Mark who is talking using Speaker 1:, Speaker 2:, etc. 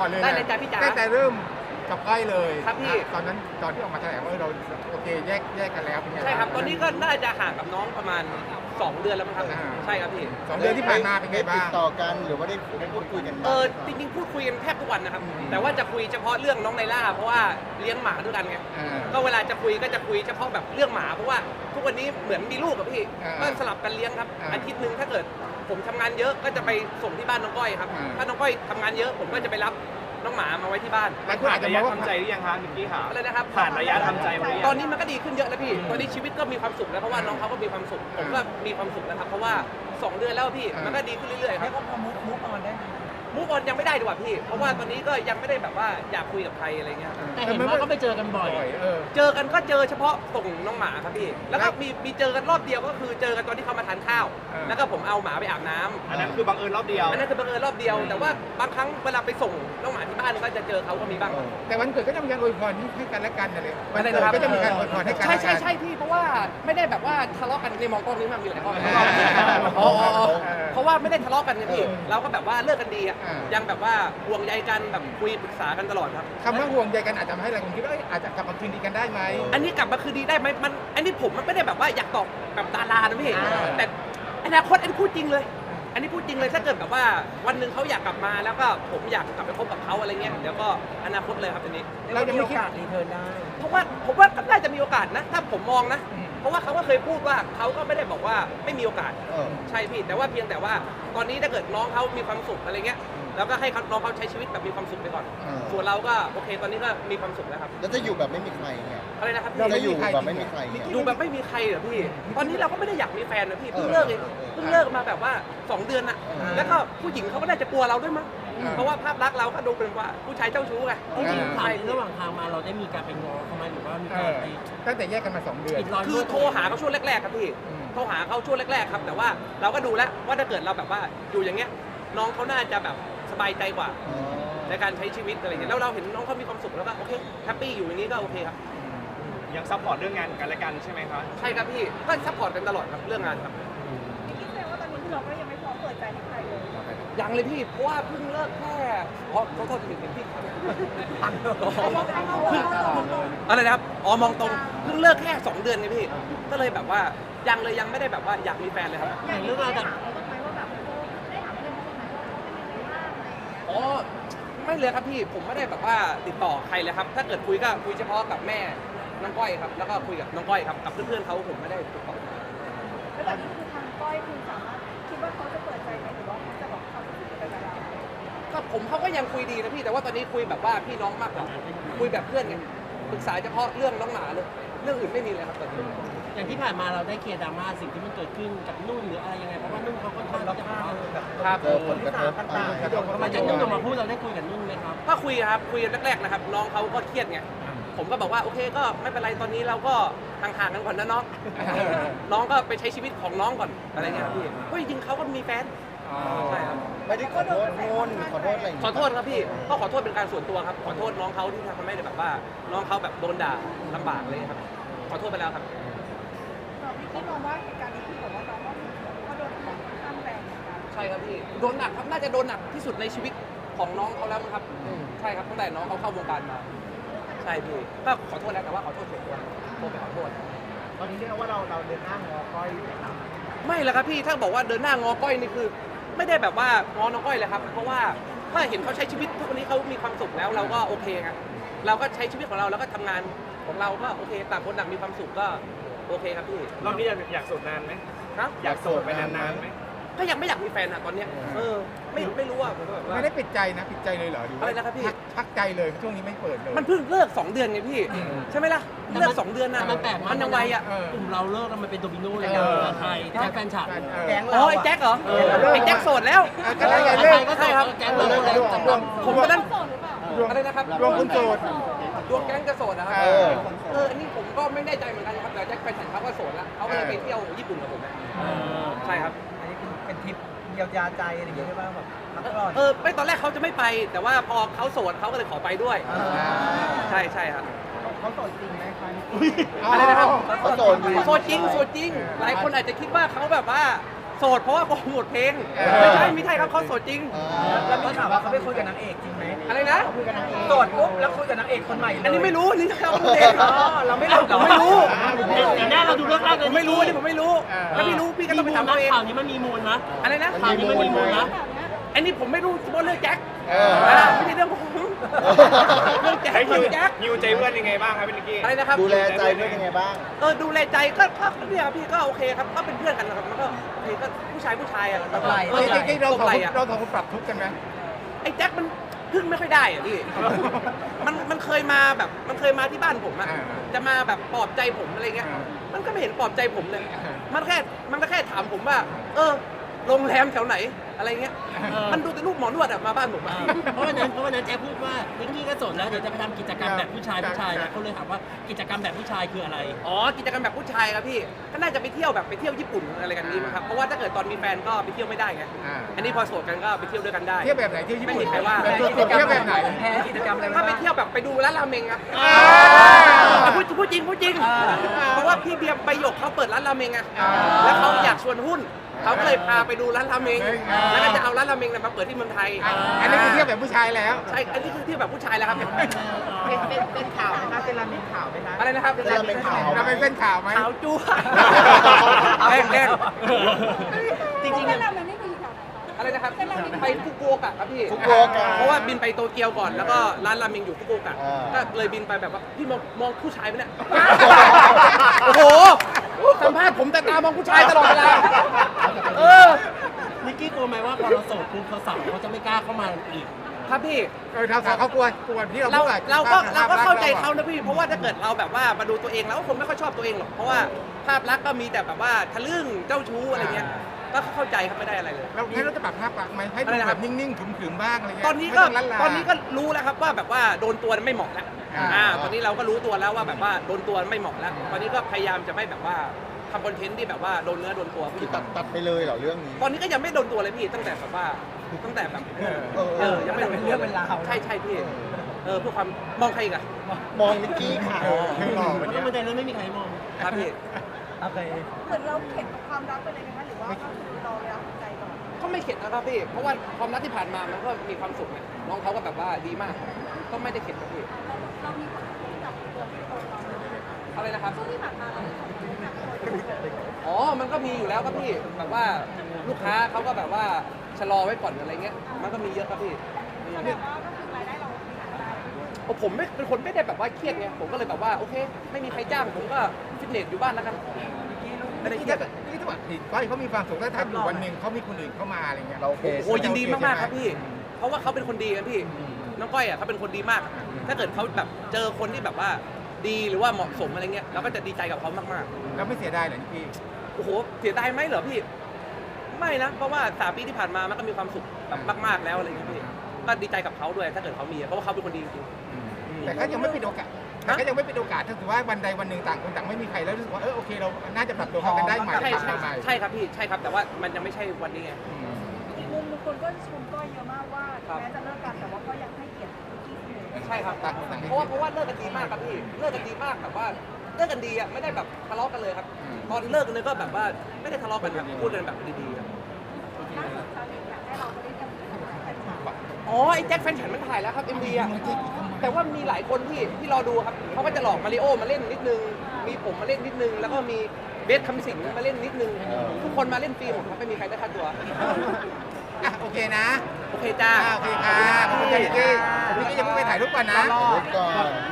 Speaker 1: ก่อนเลย
Speaker 2: ได้เลยจ้ะพี่จ๋า
Speaker 1: ตั้งแต่เริ่มกับก้อยเลย
Speaker 2: ครับพี่
Speaker 1: ตอนนั้นตอนที่ออกมาแถลงว่าเราโอเคแยกกันแล้วเป็นไง
Speaker 2: ใช่ครับตอนนี้ก็น่าจะห่างกับน้องประมาณ 2 เดือนแล้วมั้งครับ
Speaker 1: อ่า
Speaker 2: ใช่ครับพี่
Speaker 1: 2 เดือนที่ผ่านมาเป็นไงบ้าง
Speaker 3: ติดต่อกันหรือว่าได้พูดคุยกันบ้าง
Speaker 2: จริงๆพูดคุยกันแทบทุกวันนะครับแต่ว่าจะคุยเฉพาะเรื่องน้องไนล่าเพราะว่าเลี้ยงหมาด้วยกันไง
Speaker 1: อ่า
Speaker 2: ก็เวลาจะคุยก็จะคุยเฉพาะแบบเรื่องหมาเพราะว่าทุกวันนี้เหมือนมีลูกกับพี่
Speaker 1: อ่า
Speaker 2: ก็สลับกันเลี้ยงครับ
Speaker 1: อ่า
Speaker 2: อาทิตย์หนึ่งถ้าเกิดผมทำงานเยอะก็จะไปส่งที่บ้านน้องก้อยครับ
Speaker 1: อ่า
Speaker 2: ถ้าน้องก้อยทำงานเยอะผมก็จะไปรับน้องหมามาไว้ที่บ้าน
Speaker 1: หลายคนอาจจะมองว่า
Speaker 4: ทำใจหรือยังคะมิกกี้ค่ะ
Speaker 2: อะไรนะครับ
Speaker 4: ผ่านระยะทำใจมาหรือยัง
Speaker 2: ตอนนี้มันก็ดีขึ้นเยอะแล้วพี่ตอนนี้ชีวิตก็มีความสุขแล้วเพราะว่าน้องเขาก็มีความสุขผมก็มีความสุขนะครับเพราะว่า 2 เดือนแล้วพี่มันก็ดีขึ้นเรื่อยๆครับ
Speaker 5: ก็พอมุกออนได้ไหม
Speaker 2: มูฟออนยังไม่ได้ดีกว่าพี่ เพราะว่าตอนนี้ก็ยังไม่ได้แบบว่าอยากคุยกับใครอะไรเงี้ย
Speaker 5: แต่เห็นว่าก็ไปเจอกันบ่อย
Speaker 2: เจอกันก็เจอเฉพาะส่งน้องหมาครับพี่ แล้วก็มีเจอกันรอบเดียวก็คือเจอกันตอนที่เขามาทานข้าว แล้วก็ผมเอาหมาไปอาบน้ำ
Speaker 4: อันนั้นคือบังเอิญรอบเดียว
Speaker 2: อันนั้นคือบังเอิญรอบเดียว แต่ว่าบางครั้งเวลาไปส่งน้องหมาที่บ้านก็จะเจอเขาก็มีบ้าง
Speaker 1: แต่วันเกิดก็จะมีการอวยพรให้กันและกันนะเลยวัน
Speaker 2: อะไร
Speaker 1: เกิด
Speaker 2: นะครับ
Speaker 1: ก็จะมีการอวยพรให้กัน
Speaker 2: ใช่
Speaker 1: และ
Speaker 2: ใช่
Speaker 1: กัน
Speaker 2: ใช่พี่เพราะว่าไม่ได้แบบว่าทะเลาะกันในมองกล้องนี้มันมีหลายข้อ
Speaker 1: อ๋อ
Speaker 2: เพราะว่าไม่ได้ทะเลาะกันไงพี่เราก็แบบว่าเลิกกันดีอ่ะ
Speaker 1: อ่ายั
Speaker 2: ยังแบบว่าห่วงใยกันแบบคุยปรึกษากันตลอดครับ
Speaker 1: คำว่าห่วงใยกันอาจจะทำให้หลายคนคิดว่าอาจจะกลับมาคืนดีกันได้ไหม
Speaker 2: อันนี้กลับมาคืนดีได้ไหมอันนี้ผมมันไม่ได้แบบว่าอยากตอบแบบดารานะพี่แต่อนาคตอันนี้พูดจริงเลย อันนี้พูดจริงเลยถ้าเกิดแบบว่าวันหนึ่งเขาอยากกลับมาแล้วก็ผมอยากกลับไปคบกับเขาอะไรเงี้ยเดี๋ยวก็อนาคตเลยครับอันนี้
Speaker 1: เรายังไม่คิด
Speaker 5: รีเทิร์นได้
Speaker 2: เพราะว่าผมว่าก็น่าจะมีโอกาสนะถ้าผมมองนะ เพราะว่าเขาก็เคยพูดว่าเขาก็ไม่ได้บอกว่าไม่มีโอกาส ใช่พี่แต่ว่าเพียงแต่ว่าตอนนี้ถ้าเกิดน้องเขามีความสุขอะไรเงี้ยแล้วก็ให้น้องเขาใช้ชีวิตแบบมีความสุขไปก่อน ส่วนเราก็โอเคตอนนี้ก็มีความสุขแล้วครับ
Speaker 3: แล้วจะอยู่แบบไม่มีใครเนี่ย
Speaker 2: อะไรนะครับ
Speaker 3: จะ
Speaker 2: พี่
Speaker 3: อยู่แบบไม่มีใครเนี่ย
Speaker 2: ดูแบบไม่มีใครเหรอพี่ ตอนนี้เราก็ไม่ได้อยากมีแฟนนะพี่เพิ่งเลิกเองเพิ่งเลิกมาแบบว่า 2 เดือนน่ะแล้วก็ผู้หญิงเขาก็น่าจะกลัวเราด้วยมั้งเพราะว่าภาพลักษณ์เราก็ดูเป็นว่าผู้ชายเจ้าชู้ไง
Speaker 5: จริงๆถามระหว่างทางมาเราได้มีการไปง้อเขาไหมหรือว่ามีการไป
Speaker 1: ตั้งแต่แยกกันมา 2 เดือน
Speaker 5: ปิดรอย
Speaker 2: คือโทรหาเขาช่วงแรกๆครับพี่โทรหาเขาช่วงแรกๆครับแต่ว่าเราก็ดูแล้วว่าถ้าเกิดเราแบบว่าอยู่อย่างเงี้ยน้องเขาน่าจะแบบสบายใจกว่าในการใช้ชีวิตอะไรเงี้ยแล้วเราเห็นน้องเขามีความสุขแล้วก็โอเคแฮปปี้อยู่อย่างนี้ก็โอเคครับ
Speaker 4: ยังซัพพอร์ตเรื่องงานกันและกันใช่ไหมคะ
Speaker 2: ใช่ครับพี่ก็ซัพพอร์ตกันตลอดครับเรื่องงานครับ
Speaker 6: คิดแสดงว่าตอนนี้คือเราก็ยังไม่พร้อมเปิดใจให้ใครเลย
Speaker 2: ยังเลยพี่เพราะว่าเพิ่งเลิกแค่เขาโทษถึงพี่อะไรนะครับอ๋อมองตรงเพิ่งเลิกแค่ 2 เดือนไงพี่ก็เลยแบบว่ายังไม่ได้แบบว่าอยากมีแฟนเลยครับ
Speaker 5: อย่างเรื่องราวจาก
Speaker 2: อ๋อไม่เลยครับพี่ผมไม่ได้แบบว่าติดต่อใครเลยครับ ถ้าเกิดคุยก็คุยเฉพาะกับแม่น้องก้อยครับแล้วก็คุยกับน้องก้อยครับกับเพื่อนๆเขาผมไม่ได้ติดต่อ
Speaker 6: แล้วแบบนี้คือทางก้อยคือสามารถคิดว่าเขาจะเปิดใจไหมหรือว่าเขาจะบอกเขาจะคุยกับเรา
Speaker 2: ก็ผมเขาก็ยังคุยดีนะพี่แต่ว่าตอนนี้คุยแบบว่าพี่น้องมากกว่าคุยแบบเพื่อนไงปรึกษาเฉพาะเรื่องน้องหมาเลยเรื่องอื่นไม่มีเลยครับตอนนี้
Speaker 5: อย่างที่ผ่านมาเราได้เคลียร์ดราม่าสิ่งที่มันเกิดขึ้นกับนุ่นหรืออะไรยังไงเพราะว่านุ่นเขาค่อนข้างจะแบบ
Speaker 2: ครับ
Speaker 3: เจอผลกระทบ
Speaker 5: ทำไมจากนุ่นออกมาพูดเราได้คุยกับนุ่นไหมครับ
Speaker 2: ก็คุยครับคุยแรกๆนะครับน้องเขาก็เครียดไงผมก็บอกว่าโอเคก็ไม่เป็นไรตอนนี้เราก็ห่างๆกันก่อนนะน้องน้องก็ไปใช้ชีวิตของน้องก่อนอะไรเงี้ยครับพี่ก็จริงๆเขาก็มีแฟนใช่ครับ
Speaker 3: ไม่ได้ขอโทษนุ่นขอโทษอะไรอย่าง
Speaker 2: ขอ
Speaker 3: เงี้ย
Speaker 2: โทษครับพี่ก็ขอโทษเป็นการส่วนตัวครับขอโทษน้องเขาที่ทำให้แบบว่าน้องเขาแบบโดนด่าลำบากเลยครับขอโทษไปแล้วครับ
Speaker 6: เราพี่คิดมองว่าเหตุการณ์นี้คือแบบว่าเราก็โดนของค่อนข้างแรงเหมือนกัน
Speaker 2: ใช่ครับพี่โดนหนักครับน่าจะโดนหนักที่สุดในชีวิตของน้องเขาแล้วมั้งครับใช่ครับตั้งแต่น้องเขาเข้าวงการมาใช่พี่ก็ขอโทษแล้วแต่ว่าขอโทษส่วนตัวโทรไปขอโทษ
Speaker 5: ตอนนี้เรียกว่าเราเดินหน้างอก้อยอยู่ครับ
Speaker 2: ไม่แล้วครับพี่ถ้าบอกว่าเดินหน้างอก้อยนี่คือ ไม่ได้แบบว่างอน้องก้อยเลยครับเพราะว่าถ้าเห็นเขาใช้ชีวิตทุกวันนี้เขามีความสุขแล้วเราก็โอเคไงเราก็ใช้ชีวิตของเราแล้วก็ทำงานของเราก็โอเคต่างคนต่างมีความสุขก็โอเคครับพี่
Speaker 4: รอบนี้อยากโสดนานไหม
Speaker 2: ครับ
Speaker 4: อยากโสดไปนานๆไหม
Speaker 2: ก็ยังไม่อยากมีแฟนอะตอนเนี้ยไม่รู้อะผมก็แบบว่า
Speaker 1: ไม่ได้ปิดใจนะปิดใจเลยเหรอหรือว่า
Speaker 2: อะไรนะครับพี่
Speaker 1: พักใจเลยช่วงนี้ไม่เปิดเลย
Speaker 2: มันเพิ่งเลิก2 เดือนไงพี่ใช่ไหมล่ะเลิก2 เดือนนะ
Speaker 5: แต่มันแปลกมาก
Speaker 2: มันยังไวอะ
Speaker 5: กลุ่มเราเลิกแล้วมันเป็นโดมิโนเลย
Speaker 1: เออ
Speaker 5: นะไทยแจ็คแฟนฉับ
Speaker 1: แก๊ง
Speaker 2: อ๋อไอ้แจ็คเหรอไอ้แจ็คโสดแล้ว
Speaker 1: ก็ได้ไงเลิก
Speaker 5: ก็ใช่ครับแก๊งเราเลิกแล้วจำนวน
Speaker 2: ผมตอนนั้น
Speaker 6: โสดหรือเปล่า
Speaker 2: อะไรนะครับ
Speaker 1: รวมคุณโสด
Speaker 2: ดวงแก๊งจะโสดนะครับ อันนี้ผมก็ไม่แน่ใจเหมือนกันครับแต่แจ็คแฟนฉันเขาก็โสดแล้วเขาก็เลยไปเที่ยวญี่ปุ่นกับผมนะใช่ครับ
Speaker 5: อันนี้เป็นทริปเยียวยาใจอะไรอย่างเงี้ยใช่ป่ะแบบพักผ่อน
Speaker 2: ไม่ตอนแรกเขาจะไม่ไป แต่ว่าพอเขาโสดเขาก็เลยขอไปด้วย ใช่ใช่ครับ
Speaker 5: เขาโสดจริงไหมคะ
Speaker 2: อะไรนะครับ
Speaker 3: เขาโสดอยู่
Speaker 2: โสดจริงโสดจริง หลายคนอาจจะคิดว่าเขาแบบว่าโโสดเพราะว่าโปรโมทเพลงไม่ใช่ครับเขาโสดจริง
Speaker 5: แล้วมีข่าวว่าเขาไปคุยกับนางเอกจริงไหม
Speaker 2: อะไรนะ
Speaker 5: โสดปุ๊บแล้วคุยกับนางเอกคนใหม่เลย
Speaker 2: อันนี้ไม่รู้อันนี่เขาพูดเอง
Speaker 5: เราไม่รู้
Speaker 2: ผมไม่รู้
Speaker 5: แต่หน้าเราดูเรื่องแรกเลย
Speaker 2: ผมไม่รู้อันนี้ผมไม่รู้ถ้าพี่รู้พี่ก็ต้องไปถามตัวเอง
Speaker 5: ข่าวนี้มันมีมูลนะ
Speaker 2: อะไรนะ
Speaker 5: ข่าวนี้มันมีมูลนะ
Speaker 2: อันนี้ผมไม่รู้เพราะเรื่องแจ็ค
Speaker 3: เออ
Speaker 2: ไม่ใช่เรื่องผมเรื่องแจ็ค
Speaker 4: ให้
Speaker 2: เรื่องแจ็ค
Speaker 4: ฮิวใจเพื่อนยังไงบ้างครับพี่นิกกี้
Speaker 2: อะไรนะครับ
Speaker 3: ดูแลใจเพื่อนยังไงบ้าง
Speaker 2: ดูแลใจก็เนี่ยครับพี่ก็โอเคครับก็เป็นเพื่อนกันนะครับมันก็โอเคก็ผู้ชายอ่ะแบบว่า
Speaker 1: จริงๆเรา
Speaker 2: ตบ
Speaker 1: สอง
Speaker 2: ไห
Speaker 1: ค
Speaker 2: ล่
Speaker 1: น
Speaker 2: อะ
Speaker 1: เราสองคนปรับทุกข์กันไหม
Speaker 2: ไอ้แจ็คมันพึ่งไม่ค่อยได้อ่ะพี่ มันเคยมาแบบมันเคยมาที่บ้านผมอะจะมาแบบปลอบใจผมอะไรเงี้ย มันก็ไม่เห็นปลอบใจผมเลย มันก็แค่ถามผมว่า โรงแรมแถวไหนอะไรเงี้ย มันดูแต่รูปหมอนวดอะมาบ้านผมอะ
Speaker 5: เพราะวันนั้นแจ๊คพูดว่านิกกี้ก็โสดแล้วเดี๋ยวจะไปทำกิจกรรมแบบผู้ชายนะเขาเลยถามว่ากิจกรรมแบบผู้ชายคืออะไร
Speaker 2: อ๋อกิจกรรมแบบผู้ชายครับพี่ ก็น่าจะไปเที่ยวแบบไปเที่ยวญี่ปุ่นอะไรกันนี้มั้งครับ เพราะว่าถ้าเกิดตอนมีแฟนก็ไปเที่ยวไม่ได้ไง อันนี้พอโสดกันก็ไปเที่ยวด้วยกันได้
Speaker 1: เที่ยวแบบไหนเที่ยวญี่ปุ่น
Speaker 2: ไม่มีใครว่า
Speaker 1: แบบตัวเที่ยวแบบไหน
Speaker 5: แพ้กิจกรรมอะไร
Speaker 2: ถ้าไปเที่ยวแบบไปดูร้านราเมงครับ พูดจริงเพราะว่าพี่เบียร์ใบหยกเขาเปิดร้านราเมงอะแล้วเขาอยากชวนหุ้น เขาก็เลยพาไปดูร้านราเมง แล้วก็จะเอาร้านราเมงเนี่ยมาเปิดที่เมืองไทย
Speaker 1: อันนี้คือเที่ยวแบบผู้ชายแล้ว
Speaker 2: ใช่ อันนี้คือเที่ยวแบบผู้ชายแล้วครับ
Speaker 5: เป็นข่าวไหมคะเป็นราเมงข่าวไหมคะ
Speaker 2: อะไรนะครับ
Speaker 3: เป็นราเมงข่าว
Speaker 1: เราเป็นเส้นข่าวไหม
Speaker 2: ขาวจั๊ว แดง
Speaker 5: จริงๆ
Speaker 6: เส้
Speaker 5: เนี่ย
Speaker 6: นราเมงนี่คืออยู่แถวไหนคะ
Speaker 2: ๆอะไรนะครับ ไปฟุกุโอกะครับพี่
Speaker 3: ฟุกุโอกะ
Speaker 2: เพราะว่าบินไปโตเกียวก่อน แล้วก็ร้านราเมงอยู่ฟุกุโอกะ
Speaker 3: อ่า
Speaker 2: ก็เลยบินไปแบบว่าพี่มองผู้ชายไหมเนี่ย โอ้โห สัมภาษณ์ผมแต่ตามองผู้ชายตลอดเวลา
Speaker 5: นิกกี้กลัวไหมว่าพอเราโสดปุ๊บสาวๆเขาจะไม่กล้าเข้ามาอีก
Speaker 2: ครับพี่
Speaker 1: เราสาวเขากลัวที่เรา
Speaker 2: เรา
Speaker 1: พูดอะ
Speaker 2: เราก็เข้าใจเขานะพี่ เพราะว่าถ้าเกิดเราแบบว่ามาดูตัวเองเราก็คงไม่ค่อยชอบตัวเองหรอก เพราะว่าภาพลักษณ์ก็มีแต่แบบว่าทะลึ่งเจ้าชู้อะไรเงี้ย ก็เข้าใจครับไม่ได้อะไรเลย
Speaker 1: เราให้เราจะปรับภาพลักษณ์ไหมให้ดู
Speaker 2: อะไรนะค
Speaker 1: แบ
Speaker 2: รั
Speaker 1: บบ นิ่งๆขรึมๆบ้างอะไรเงี้ย
Speaker 2: ตอนนี้
Speaker 1: ไม่
Speaker 2: ก็
Speaker 1: งลั่ลา
Speaker 2: ตอนนี้ก็รู้แล้วครับว่าแบบว่าโดนตัวไม่เหมาะแล้ว ตอนนี้เราก็รู้ตัวแล้วว่าแบบว่าโดนตัวไม่เหมาะแล้ว ตอนนี้ก็พยายามจะไม่แบบว่าทำคอนเทนต์ที่แบบว่าโดนเนื้อโดนตัว
Speaker 3: คือ
Speaker 2: พี่
Speaker 3: ตัดไปเลยเหรอเรื่องนี้
Speaker 2: ตอนนี้ก็ยังไม่โดนตัวเลยพี่ตั้งแต่แบบว่ายังไม่โดนตัวใช่พี่เพื่อความมองใครอีกอะ
Speaker 3: มองนิกกี้ค่ะ
Speaker 1: คือหล่อวัน
Speaker 5: เพ
Speaker 1: เนี้ย
Speaker 5: ราะมันในเรื่องไม่มีใครมอง
Speaker 2: ครับพี่
Speaker 5: โอเค
Speaker 6: เหมือนเราเข็ดกับความรักไปเลยไหมคะหรือว่าก็คือเรารักใจก่อน
Speaker 2: ก็ไม่เข็ดนะครับพี่ เพราะว่าความรักที่ผ่านมามันก็มีความสุขไงน้องเขาก็แบบว่าดีมาก ก็ไม่ได้เข็ดครับพี่
Speaker 6: เรามีผลกระทบกับตัวพี่โตเราไหม
Speaker 2: อะไรนะครับ
Speaker 6: ช่วงที่ผ่านมาเรามีผลกระทบกับตัวพี่โตไหม
Speaker 2: อ๋อ มันก็มีอยู่แล้วครับพี่ แบบว่าลูกค้าเขาก็แบบว่าชะลอไว้ก่อนอะไรเงี้ย มันก็มีเยอะครับพี่
Speaker 6: แสดงว่าก็คือรายได้เราหาได้
Speaker 2: ผมไม่เป็นคนไม่ได้แบบว่าเครียดไง ผมก็เลยแบบว่าโอเค ไม่มีใครจ้างผมก็ฟิตเนสอยู่บ้านแล้วกันไม่ได้เครียด
Speaker 1: นี่ถ้าผิดก้อยเขามีความสุขถ้าอยู่วันหนึ่งเขามีคนอื่นเข้ามาอะไรเงี้ย
Speaker 3: เราโอเค
Speaker 2: โอ้ยินดีมากๆครับพี่ เพราะว่าเขาเป็นคนดีครับพี่ น้องก้อยอ่ะเขาเป็นคนดีมาก ถ้าเกิดเขาแบบเจอคนที่แบบว่าดีหรือว่าเหมาะสมอะไรเงี้ยเราก็จะดีใจกับเขามากๆ
Speaker 1: เราไม่เสียดายเหรอพี่
Speaker 2: โอ้โห เสียดายไหมเหรอพี่ ไม่นะ เพราะว่า3 ปีที่ผ่านมามันก็มีความสุขแบบมากๆแล้วอะไรอย่างเงี้ยพี่ ก็ดีใจกับเขาด้วยถ้าเกิดเขามี เพราะว่าเขาเป็นคนดีจริง
Speaker 1: แต่ก็ยังไม่ปิดโอกาสแต่ก็ยังไม่ปิดโอกาสถ้าถือว่าวันใดวันหนึ่งต่างคนต่างไม่มีใครแล้วรู้สึกว่าโอเคเราน่าจะปรับตัวเข้ากันได้ใหม่
Speaker 2: ใช่
Speaker 1: ปรับ
Speaker 2: ใช่
Speaker 1: ใหม่
Speaker 2: ใช่ครับพี่ ใช่ครับ แต่ว่ามันยังไม่ใช่วันนี้ไง
Speaker 6: อีกมุมบางคนก็ชมก้อยเยอะมากว่า
Speaker 2: ครับ
Speaker 6: แม้จะเลิกกันแต่ว่าก็ยังให้เกียรติพี่เสมอ
Speaker 2: ใช่ครับ เพราะว่าเลิกกันดีมากครับพี่ เลิกกันดีมากแบบว่าเลิกกันดีอ่ะไม่ได้แบบทะเลาะกันเลยครับ ตอนเลิกกันเลยก็แบบว่าไม่ได้ทะเลาะกันครับพูดกันแบบดีๆครับ
Speaker 6: ล่าสุดชาวเน็ตอยากให้เราไปเล่นกับแฟนคลับ
Speaker 2: อ๋อไอ้แจ็คแฟนฉันมันถ่ายแล้วครับ MV อ่ะแต่ว่ามีหลายคนที่รอดูครับเขาก็จะหลอกมาริโอมาเล่นนิดนึง มีผมมาเล่นนิดนึง แล้วก็มีเบสคำสิงห์มาเล่นนิดนึง ทุกคนมาเล่นฟรีหมดครับไม่มีใครได้ค่าตัว
Speaker 1: โอเคนะ
Speaker 2: โอเคจ้า
Speaker 1: โอเคค่ะขอบคุณพี่กี้พี่กี้ยังไม่ไปถ่ายรูปก่อนนะ
Speaker 3: รถก่อน